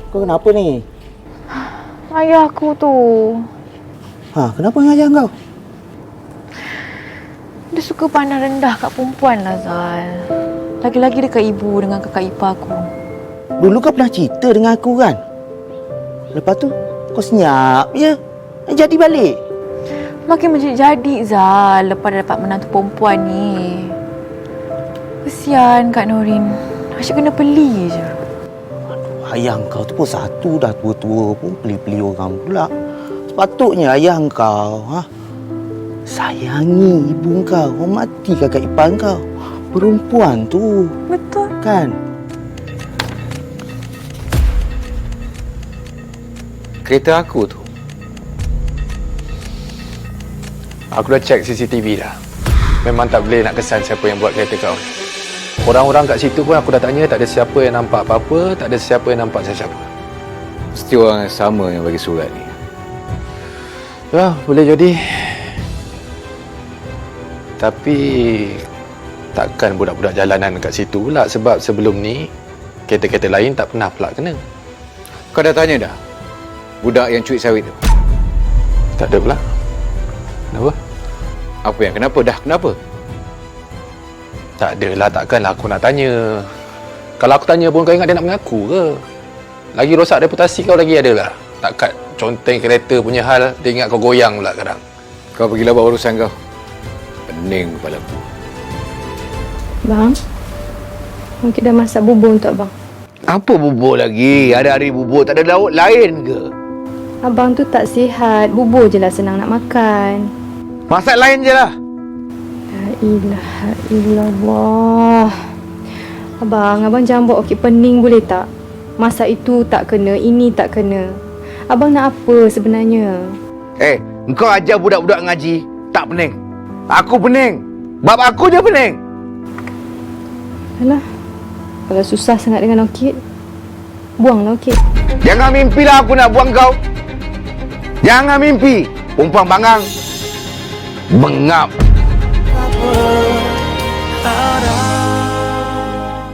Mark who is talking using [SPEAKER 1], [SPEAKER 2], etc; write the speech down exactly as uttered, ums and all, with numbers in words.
[SPEAKER 1] Kau kenapa ni?
[SPEAKER 2] Ayah aku tu.
[SPEAKER 1] Ha, kenapa dengan ayah kau?
[SPEAKER 2] Dia suka pandang rendah kat perempuan lah, Zal. Lagi-lagi dekat ibu dengan kakak ipar aku.
[SPEAKER 1] Dulu kau pernah cerita dengan aku kan? Lepas tu kau senyap je. Jadi balik.
[SPEAKER 2] Makin menjadi-jadi, Zal, lepas dah dapat menantu perempuan ni. Kesian Kak Norin. Asyik kena beli je.
[SPEAKER 1] Aduh, ayah kau tu pun satu dah tua-tua pun beli-beli orang pula. Sepatutnya ayah kau, ha? Sayangi ibu kau, hormati kakak ipar kau. Perempuan tu.
[SPEAKER 2] Betul.
[SPEAKER 1] Kan?
[SPEAKER 3] Kereta aku tu, aku dah check C C T V dah. Memang tak boleh nak kesan siapa yang buat kereta kau ni. Orang-orang kat situ pun aku dah tanya, tak ada siapa yang nampak apa-apa, tak ada siapa yang nampak siapa.
[SPEAKER 4] Mesti orang yang sama yang bagi surat ni.
[SPEAKER 3] Ya, boleh jadi. Tapi takkan budak-budak jalanan kat situ pula, sebab sebelum ni kereta-kereta lain tak pernah pula kena.
[SPEAKER 4] Kau dah tanya dah budak yang cuit sawit tu?
[SPEAKER 3] Tak ada pula. Kenapa?
[SPEAKER 4] Apa yang kenapa? Dah kenapa?
[SPEAKER 3] Tak adalah, takkanlah aku nak tanya. Kalau aku tanya pun kau ingat dia nak mengaku ke? Lagi rosak reputasi kau lagi adalah. Takkan conteng kereta punya hal, dia ingat kau goyang pula sekarang.
[SPEAKER 4] Kau pergilah buat urusan kau. Pening kepala aku.
[SPEAKER 5] Bang, mungkin dah masak bubur untuk abang.
[SPEAKER 6] Apa bubur lagi? Hari-hari bubur, tak ada lauk lain ke?
[SPEAKER 5] Abang tu tak sihat, bubur je lah senang nak makan.
[SPEAKER 6] Masak lain je lah.
[SPEAKER 5] La ilaha illallah. Abang, abang jangan buat okey pening boleh tak? Masak itu tak kena, ini tak kena. Abang nak apa sebenarnya?
[SPEAKER 6] Eh, engkau ajar budak-budak ngaji, tak pening. Aku pening. Bab aku je pening.
[SPEAKER 5] Alah, kalau susah sangat dengan Okit, buanglah Okit.
[SPEAKER 6] Jangan mimpilah aku nak buang kau. Jangan mimpi. Perempuan bangang. Bengap.
[SPEAKER 7] Ada